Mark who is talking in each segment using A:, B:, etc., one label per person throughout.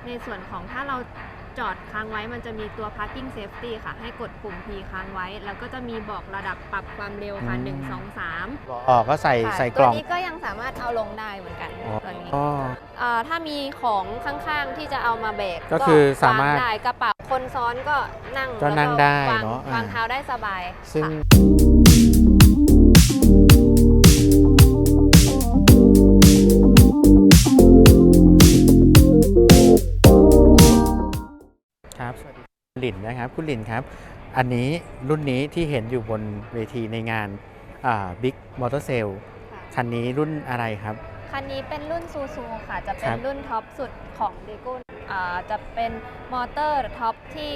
A: ในส่วนของถ้าเราจอดค้างไว้มันจะมีตัว parking safety ค่ะให้กดปุ่ม P ค้างไว้แล้วก็จะมีบอกระดับปรับความเร็วค่ะ1 2 3
B: ก็ใส่กล่อง
A: ตัวนี้ก็ยังสามารถเอาลงได้เหมือนกันตัวนี้ถ้ามีของข้างๆที่จะเอามาแบก
B: ก็คือสามารถ
A: ได้กระเป๋าคนซ้อนก็นั่ง
B: ได้เนาะ
A: วางเท้าได้สบาย
B: ซึ่งครับสวัสดีคุณหลินนะครับคุณหลินครับอันนี้รุ่นนี้ที่เห็นอยู่บนเวทีในงานBig Motor Sale คันนี้รุ่นอะไรครับ
A: คันนี้เป็นรุ่นซูซูค่ะจะเป็นรุ่นท็อปสุดของเดโก้จะเป็นมอเตอร์ท็อปที่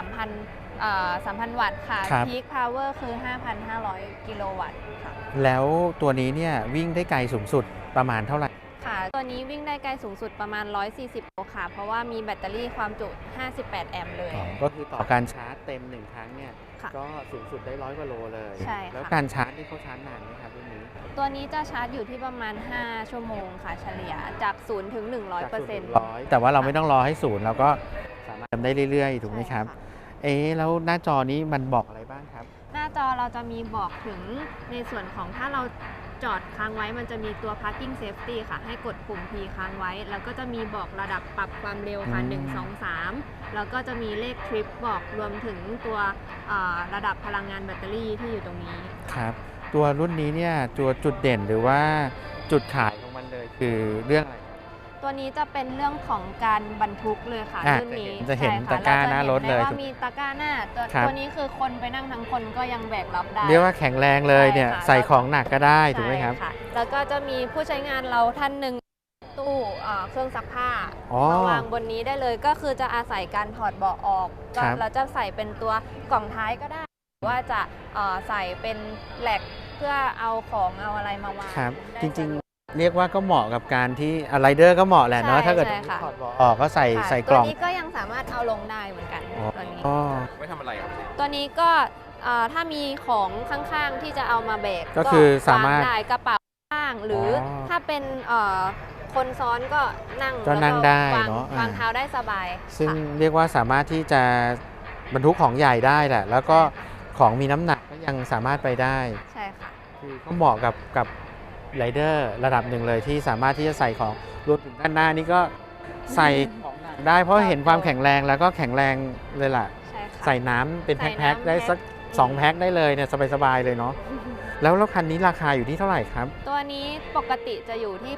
A: 3,000 วัตต์ค่ะ Peak Power คือ 5,500 กิโลวัตต์ค่ะ
B: แล้วตัวนี้เนี่ยวิ่งได้ไกลสูงสุดประมาณเท่าไหร่
A: ค่ะตัวนี้วิ่งได้ไกลสูงสุดประมาณ140โลค่ะเพราะว่ามีแบตเตอรี่ความจุ58แอมป์เลย
B: ก็คือต่อการชาร์จเต็ม1ครั้งเนี่ยก็สูงสุดได้100 กว่าโลเลย
A: ใช่
B: แล้วการชาร์จนี่เขาชาร์จนานไหมครับรุ่นนี้
A: ตัวนี้จะชาร์จอยู่ที่ประมาณ5ชั่วโมงค่ะเฉลี่ยจาก0ถึง 100%
B: แต่ว่าเราไม่ต้องรอให้0เราก็สามารถทำได้เรื่อยๆถูกไหมครับแล้วหน้าจอนี้มันบอกอะไรบ้างครับ
A: หน้าจอเราจะมีบอกถึงในส่วนของถ้าเราจอดค้างไว้มันจะมีตัว parking safety ค่ะให้กดปุ่ม P ค้างไว้แล้วก็จะมีบอกระดับปรับความเร็วค่ะ1 2 3แล้วก็จะมีเลขทริปบอกรวมถึงตัวระดับพลังงานแบตเตอรี่ที่อยู่ตรงนี้
B: ครับตัวรุ่นนี้เนี่ยตัวจุดเด่นหรือว่าจุดขายของมันเลยคือเรื่องอะไร
A: ตัวนี้จะเป็นเรื่องของการบรรทุกเลยค่ะรุ่นนี้
B: จะเห็นตะกร้าหน้ารถเลย
A: ว่ามีตะกร้าหน้าตัวนี้คือคนไปนั่งทั้งคนก็ยังแบกรับได้
B: เรียกว่าแข็งแรงเลยเนี่ยใส่ของหนักก็ได้ถูกไหมครับ
A: แล้วก็จะมีผู้ใช้งานเราท่านหนึ่งตู้เครื่องซักผ้ามาวางบนนี้ได้เลยก็คือจะอาศัยการถอดเบาะออกก็เราจะใส่เป็นตัวกล่องท้ายก็ได้หรือว่าจะใส่เป็นแหลกเพื่อเอาของเอาอะไรมาวาง
B: จริงๆเรียกว่าก็เหมาะกับการที่ไรเดอร์ก็เหมาะแหละเนาะถ้าเกิดถอดเบาะออกก็ใส่กล่อง
A: ตัวนี้ก็ยังสามารถเอาลงได้เหมือนกันตัวนี้
C: ไม่ทำอะไรครับ
A: ตัวนี้ก็ถ้ามีของข้างๆที่จะเอามาแบก
B: ก็คือสามารถ
A: ได้กระเป๋าข้างหรือถ้าเป็นคนซ้อนก็นั่ง
B: ได้เนาะ
A: วางเท้าได้สบาย
B: ซึ่งเรียกว่าสามารถที่จะบรรทุกของใหญ่ได้แหละแล้วก็ของมีน้ำหนักก็ยังสามารถไปได้
A: ใช่ค่ะ
B: คือก็เหมาะกับไรเดอร์ระดับหนึ่งเลยที่สามารถที่จะใส่ของรวมถึงด้านหน้านี่ก็ใส่ของหนักได้เพราะเห็นความแข็งแรงแล้วก็แข็งแรงเลยล่ะใส่น้ำเป็นแพ็คๆได้สัก2แพ็คได้เลยเนี่ยสบายๆเลยเนาะแล้วคันนี้ราคาอยู่ที่เท่าไหร่ครับ
A: ตัวนี้ปกติจะอยู่ที่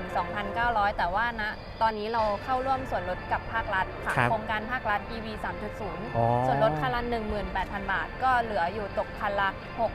A: 82,900 แต่ว่านะตอนนี้เราเข้าร่วมส่วนลดกับภาครัฐค่ะโครงการภาครัฐ EV 3.0 ส่วนลดคันละ 18,000 บาทก็เหลืออยู่ตกคันละ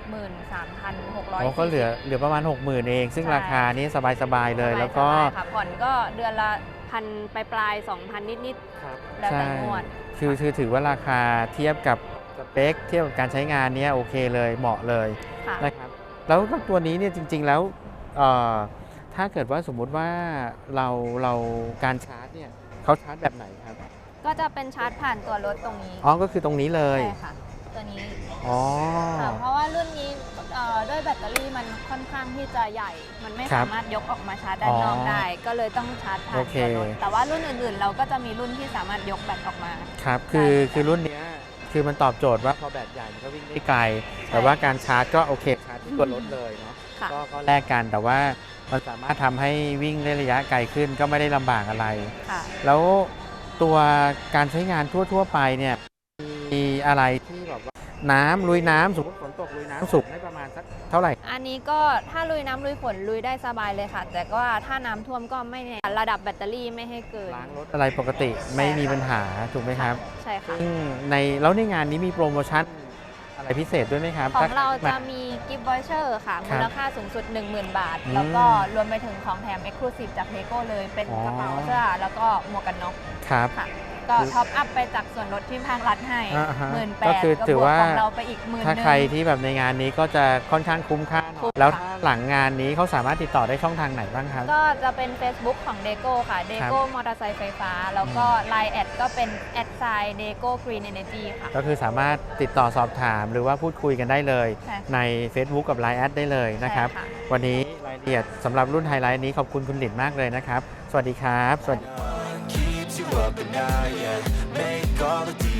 A: 63,600
B: ก็เหลือประมาณ 60,000 เองซึ่งราคานี้สบายๆเลยแล้วก็
A: ผ่อนก็เดือนละ1,000ปลาย 2,000 นิดๆแล้วแต่งวด
B: คือถือว่าราคาเทียบกับสเปคเทียบกับการใช้งานนี้โอเคเลยเหมาะเลยนะครับแล้วตัวนี้เนี่ยจริงๆแล้วถ้าเกิดว่าสมมุติว่าเราการชาร์จเนี่ยเขาชาร์จแบบไหนครับ
A: ก็จะเป็นชาร์จผ่านตัวรถตรงนี้
B: ก็คือตรงนี้เลย
A: ใช่ค่ะตัวนี้เพราะว่ารุ่นนี้ด้วยแบตเตอรี่มันค่อนข้างที่จะใหญ่มันไม่สามารถยกออกมาชาร์จด้านนอกได้ก็เลยต้องชาร์จผ่านตัวรถแต่ว่ารุ่นอื่นๆเราก็จะมีรุ่นที่สามารถยกแบตออกมา
B: ครับคือรุ่นนี้คือมันตอบโจทย์ว่าพอแบตใหญ่มันก็วิ่งได้ไกลแต่ว่าการชาร์จก็โอเคชาร์จที่ตัวรถเลยเนาะก็แลกกันแต่ว่ามันสามารถทำให้วิ่งได้ระยะไกลขึ้นก็ไม่ได้ลำบากอะไรแล้วตัวการใช้งานทั่วไปเนี่ยมีอะไรที่แบบว่าน้ำลุยน้ำสมมติฝนตกลุยน้ำสูงได้ประมาณสักเท่าไหร่
A: อันนี้ก็ถ้าลุยน้ำลุยฝนลุยได้สบายเลยค่ะแต่ก็ถ้าน้ำท่วมก็ไม่ระดับแบตเตอรี่ไม่ให้เกิน
B: ล้างรถอะไรปกติไม่มีปัญหาถูกไหมครับ
A: ใช่ค่ะ
B: แล้วในงานนี้มีโปรโมชั่นอะไรพิเศษด้วยไหมครับ
A: ของเราจะมีกิฟต์วอเชอร์ค่ะมูลค่าสูงสุด 10,000 บาทแล้วก็รวมไปถึงของแถม Exclusive จาก Lego เลยเป็นกระเป๋าเสื้อแล้วก็หมวกกันน็อก
B: ครับ
A: ก็ท็อปอัพไปจากส่วนลดที่ภาครัฐให้18,000
B: ก็คือถือว่า
A: ของเราไปอีก10,000
B: ถ้าใครที่แบบในงานนี้ก็จะค่อนข้างคุ้มค่าแล้วหลังงานนี้เขาสามารถติดต่อได้ช่องทางไหนบ้างครับ
A: ก็จะเป็น Facebook ของ Deco ค่ะ Deco มอเตอร์ไซค์ไฟฟ้าแล้วก็ Line แอดก็เป็น @Deco Green Energy ค่ะ
B: ก็คือสามารถติดต่อสอบถามหรือว่าพูดคุยกันได้เลยใน Facebook กับ Line แอดได้เลยนะครับวันนี้รายละเอียดสำหรับรุ่นไฮไลท์นี้ขอบคุณคุณหลินมากเลยนะครับสวัสดีครับสวัสดี
C: up at night, yeah. Make all the